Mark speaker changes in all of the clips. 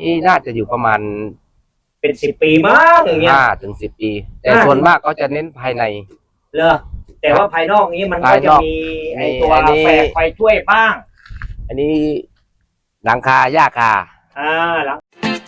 Speaker 1: นี่น่าจะอยู่ประมาณ
Speaker 2: เป็น10 ปีมั้งอย่างเงี้ย
Speaker 1: 5 ถึง 10 ปีแต่ส่วนมากก็จะเน้นภายใน
Speaker 2: เหรอแต่ว่าภายนอกนี้มันก็จะมีไอตัวแฝกไฟช่วยบ้าง
Speaker 1: อันนี้หลังคาหญ้าคา
Speaker 2: หลัง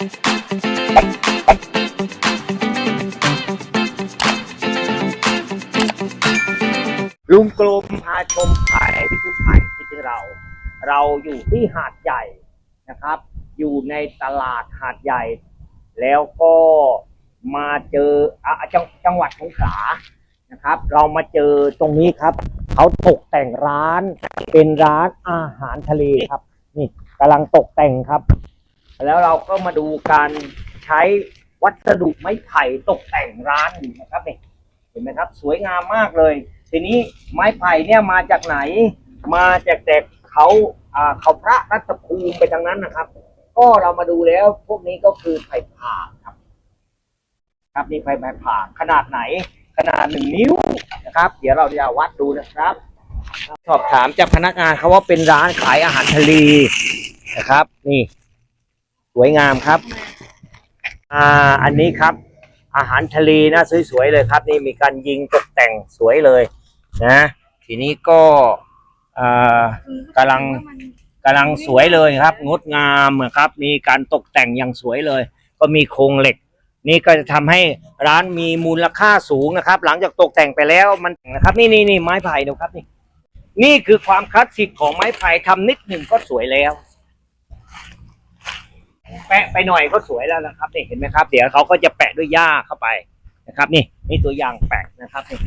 Speaker 2: ลุงกลมพาชมไผ่ที่ผู้ไผ่ที่เราอยู่ที่หาดใหญ่นะครับอยู่ในตลาดหาดใหญ่แล้วก็มาเจอจังหวัดสงขลานะครับเรามาเจอตรงนี้ครับเขาตกแต่งร้านเป็นร้านอาหารทะเลครับนี่กำลังตกแต่งครับแล้วเราก็มาดูการใช้วัสดุไม้ไผ่ตกแต่งร้านอยู่นะครับนี่เห็นไหมครับสวยงามมากเลยทีนี้ไม้ไผ่เนี่ยมาจากไหนมาจากแต่เขาพระรัตภูมิไปทางนั้นนะครับก็เรามาดูแล้วพวกนี้ก็คือไผ่ผ่าครับนี่ไผ่ผ่าขนาดไหนขนาด1 นิ้วนะครับเดี๋ยวเราจะวัดดูนะครับสอบถามจากพนักงานเขาว่าเป็นร้านขายอาหารทะเลนะครับนี่สวยงามครับอันนี้ครับอาหารทะเลนะสวยๆเลยครับนี่มีการยิงตกแต่งสวยเลยนะทีนี้ก็กำลังสวยเลยครับงดงามครับมีการตกแต่งอย่างสวยเลยก็มีโครงเหล็กนี่ก็จะทำให้ร้านมีมูลค่าสูงนะครับหลังจากตกแต่งไปแล้วมันนะครับนี่ไม้ไผ่ดูครับนี่คือความคลาสสิกของไม้ไผ่ทำนิดหนึ่งก็สวยแล้วแปะไปหน่อยก็สวยแล้วนะครับนี่เห็นไหมครับเดี๋ยวเขาก็จะแปะด้วยหญ้าเข้าไปนะครับนี่ตัวอย่างแปะนะครับนี่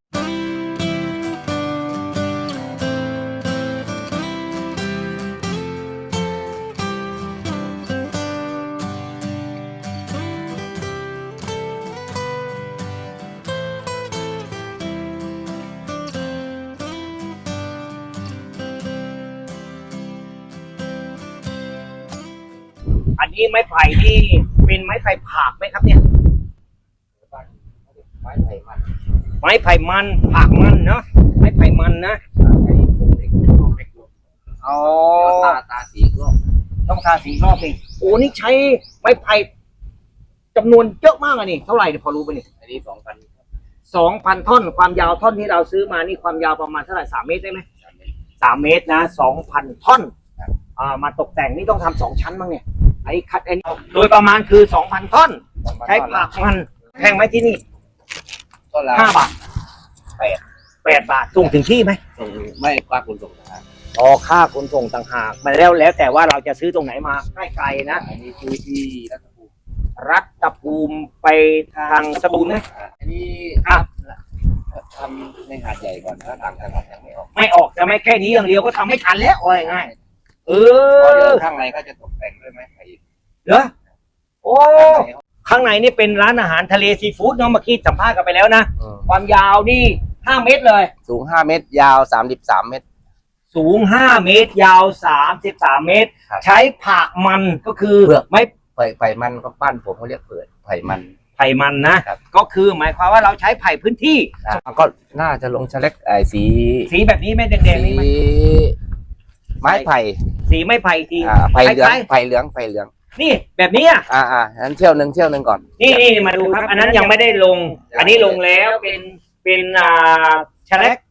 Speaker 2: อันนี้ไม้ไผ่ที่เป็นไม้ไผ่ผากไหมครับเนี่ยไม้ไผ่มันผากมันเนาะไม้ไผ่มันนะอ๋อ
Speaker 1: ตาสีรอบ
Speaker 2: ต้องทาสีรอบเองโอ้นี่ใช้ไม้ไผ่จำนวนเยอะมากอ่ะนี่เท่าไหร่พอรู้ป่ะนี่
Speaker 1: อันนี้
Speaker 2: 2,000 ท่อนความยาวท่อนที่เราซื้อมานี่ความยาวประมาณเท่าไหร่3 เมตรได้ไหม3 เมตรนะ2,000 ท่อนมาตกแต่งนี่ต้องทำ2 ชั้นมั้งเนี่ยไอ้คัดโดยประมาณคือ 2,000 ท่อนใช้ผักมันแพงไหมที่นี่5 บาท8 บาทส่งถึงที่ไหม
Speaker 1: ส่งไม่ค่าขนส่งต่างหาก
Speaker 2: ค่าขนส่งต่างหากมาแล้วแต่ว่าเราจะซื้อตรงไหนมาใกล้ๆนะ
Speaker 1: อันนี้คือที่
Speaker 2: รัตภูมิไปทางสตูลนะ
Speaker 1: อันนี้ทำในหาดใหญ่ก่อนถ้าต่างจังหวัดยัง
Speaker 2: ไม่ออกจะไม่แค่นี้อย่างเดียวก็ทำไม่ทันแล้วง่าย
Speaker 1: ข้างในก็จะตกแต่งด้วยไม้ไผ่
Speaker 2: เหรอโอ้ข้างในนี่เป็นร้านอาหารทะเลซีฟู้ดเนาะเมื่อกี้สัมภาษณ์กันไปแล้วนะความยาวนี่5 เมตรเลย
Speaker 1: สูง5 เมตรยาว33 เมตร
Speaker 2: สูง5 เมตรยาว33 เมตรใช้ผักมันก็คือไม้
Speaker 1: ไผ่มันก็ปั้นผมเขาเรียกเปิดไผ่
Speaker 2: มันนะก็คือหมายความว่าเราใช้ไผ่พื้นที่
Speaker 1: ก็น่าจะลงชะเล็ก
Speaker 2: สีแบบนี้ไม่แดงๆนี่ไหม
Speaker 1: ไม้ไผ่
Speaker 2: สีไม้ไผ่ที
Speaker 1: ไผ่เหลือง
Speaker 2: นี่แบบนี้
Speaker 1: นั้นเที่ยวหนึ่งก่อน
Speaker 2: นี่มาดูครับอันนั้นยังไม่ได้ลงอันนี้ลงแล้วเป็นชะเล็ก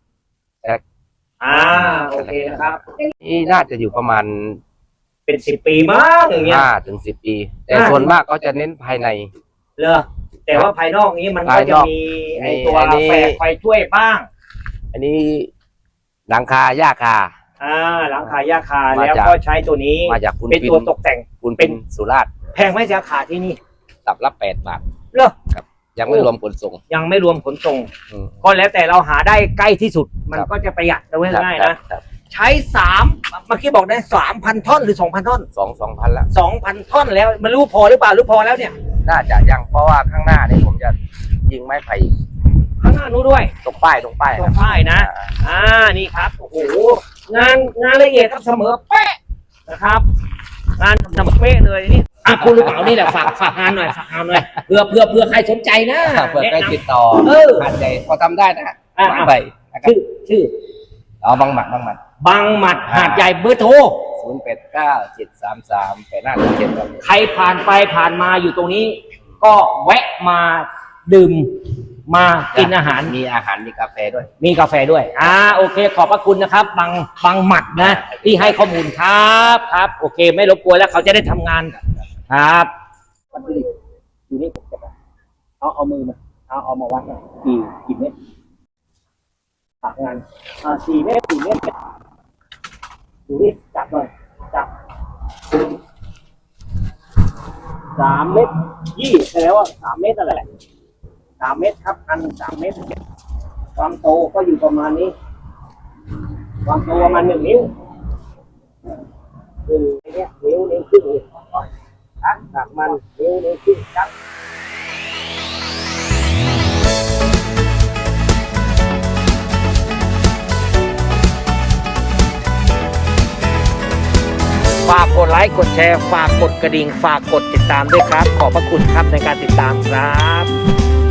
Speaker 2: โอเคนะครับ
Speaker 1: นี่น่าจะอยู่ประมาณ
Speaker 2: เป็น10 ปีมั้งอย่างเงี้ย
Speaker 1: 5 ถึง 10 ปีแต่ส่วนมากก็จะเน้นภายใน
Speaker 2: เหรอแต่ว่าภายนอกนี้มันก็จะมีไอตัวแฝกไฟช่วยบ้าง
Speaker 1: อันนี้หลังคาหญ้าคา
Speaker 2: หลังคาหญ้าคาแล้วก็ใช้ตัวนี้
Speaker 1: มาจาก
Speaker 2: เป็นตัวตกแต่ง
Speaker 1: เป็นสุราษฎร์
Speaker 2: แพงไหมราคาที่นี่
Speaker 1: ตับละ8 บาท
Speaker 2: เหรอ
Speaker 1: ครับยังไม่รวมขนส่ง
Speaker 2: ก็แล้วแต่เราหาได้ใกล้ที่สุดมันก็จะประหยัดได้ง่ายนะใช้เมื่อกี้บอกได้ 3,000 ท่อนหรือ 2,000 ท่อน
Speaker 1: 2,000ละ
Speaker 2: 2,000 ท่อนแล้วมันรู้พอหรือเปล่าพอแล้วเนี่ย
Speaker 1: น่าจะยังเพราะว่าข้างหน้านี่ผมจะยิงไม้ไผ่
Speaker 2: ข้างหน้านู้นด้วย
Speaker 1: ตรงป้าย
Speaker 2: นะนี่ครับโอ้โหงานละเอียดครับเสมอเป๊ะนะครับงานเสมอเป๊ะเลยนี่คุณรู้เปล่านี่แหละฝากงานหน่อยเพื่อใครสนใจนะ
Speaker 1: เพื่อใครติดต่อหาดใหญ่พอทำได้นะไม้ไผ่
Speaker 2: ชื่อบ
Speaker 1: างหมัด
Speaker 2: บางหมัดหาดใหญ่เบอร์โทร
Speaker 1: 0897338577ครับ
Speaker 2: ใครผ่านไปผ่านมาอยู่ตรงนี้ ก็แวะมาดื่มมากินอาหาร
Speaker 1: มีอาหารมีกาแฟด้วย
Speaker 2: มีกาแฟด้วยโอเค ขอบพระคุณนะครับบางหมัดนะที่ให้ข้อมูลครับครับ โอเค ไม่รบกวนแล้วเขาจะได้ทำงานครับวัตถุดิบอยู่นี่ผมจะเอามือมาเอามาวัดหน่อยกี่เมตรผักงาน4 เมตรดูนี่จับหน่อยจับ3 เมตร20แสดงว่า3 เมตรนั่นแหละ3 เมตรครับอัน3 เมตรความโตก็อยู่ประมาณนี้ความโตประมาณ1 นิ้วคือเนี่ยนิ้วครึ่งจากมันนิ้วครึ่งครับฝากกดไลค์กดแชร์ฝากกดกระดิ่งฝากกดติดตามด้วยครับขอบพระคุณครับในการติดตามครับ